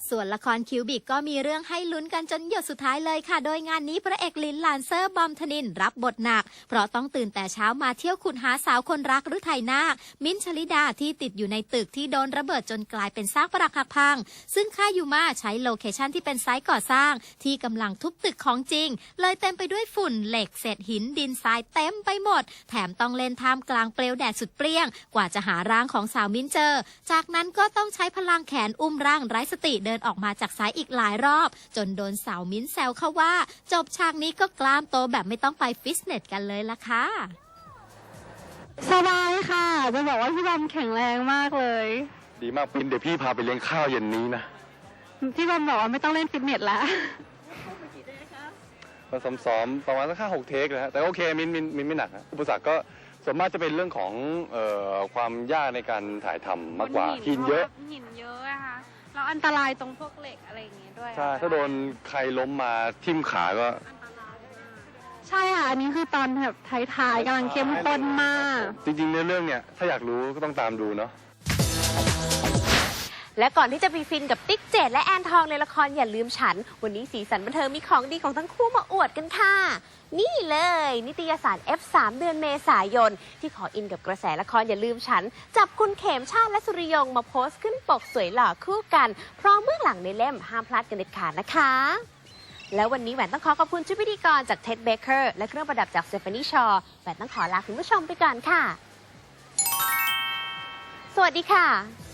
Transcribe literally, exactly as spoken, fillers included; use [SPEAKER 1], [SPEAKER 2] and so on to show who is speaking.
[SPEAKER 1] ส่วนละครคิวบิกก็มีเรื่องให้ลุ้นกันจนหยดสุดท้ายเลยค่ะโดยงานนี้พระเอกลินลานเซอร์บอมธนินรับบทหนักเพราะต้องตื่นแต่เช้ามาเที่ยวขุดหาสาวคนรักฤทัยนาคมิ้นท์ชลิดาที่ติดอยู่ในตึกที่โดนระเบิดจนกลายเป็นซากปรักหักพังซึ่งค่ายยูมาใช้โลเคชั่นที่เป็นไซต์ก่อสร้างที่กำลังทุบตึกของจริงเลยเต็มไปด้วยฝุ่นเหล็กเศษหินดินทรายเต็มไปหมดแถมต้องเล่นท่ามกลางเปลวแดดสุดเปรี้ยงกว่าจะหาร่างของสาวมิ้นท์เจอจากนั้นก็ต้องใช้พลังแขนอุ้มร่างไร้สติเดินออกมาจากไซต์อีกหลายรอบจนโดนสาวมิ้นท์แซวเข้าว่าจบฉากนี้ก็กล้ามโตแบบไม่ต้องไปฟิตเนสกันเลยล่ะค่ะ
[SPEAKER 2] สบายค่ะจะบอกว่าพี่บอมแข็งแรงมากเลย
[SPEAKER 3] ดีมากปินเดี๋ยวพี่พาไปเลี้ยงข้าวเย็นนี้นะ
[SPEAKER 2] พี่บอมบอกว่าไม่ต้องเล่นฟิตเนสแล้ว
[SPEAKER 3] มาซ้อมๆประมาณสักห้าหกเทคนะฮะแต่โอเคมินมินมินไม่หนักนะอุปสรรคก็ส่วนมากจะเป็นเรื่องของเอ่อความยากในการถ่ายทำมากกว่าหินเยอะ
[SPEAKER 2] หินเยอะอะค่ะแล้วอันตรายตรงพวกเหล็กอะไรอย่างเงี้ยด้วย
[SPEAKER 3] ใช่ถ้าโดนใครล้มมาทิ่มขาก็
[SPEAKER 2] ใช่ค่ะอันนี้คือตอนแบบท้ายๆกำลังเข้มข้นมาก
[SPEAKER 3] จริงๆในเรื่องเนี่ยถ้าอยากรู้ก็ต้องตามดูเนาะ
[SPEAKER 4] และก่อนที่จะไปฟินกับติ๊กเจดและแอนทองในละครอย่าลืมฉันวันนี้สีสันบันเทิงมีของดีของทั้งคู่มาอวดกันค่ะนี่เลยนิตยสาร เอฟ สาม เดือนเมษายนที่ขออินกับกระแสละครอย่าลืมฉันจับคุณเขมชาติและสุริยงมาโพสต์ขึ้นปกสวยหล่อคู่กันพร้อมเบื้องหลังในเล่มห้ามพลาดกันเด็ดขาดนะคะแล้ววันนี้แหวนต้องขอขอบคุณชุดพิธีกรจากเท็ดเบเกอร์และเครื่องประดับจากสเตฟานีชอว์แหวนต้องขอลาคุณผู้ชมไปก่อนค่ะสวัสดีค่ะ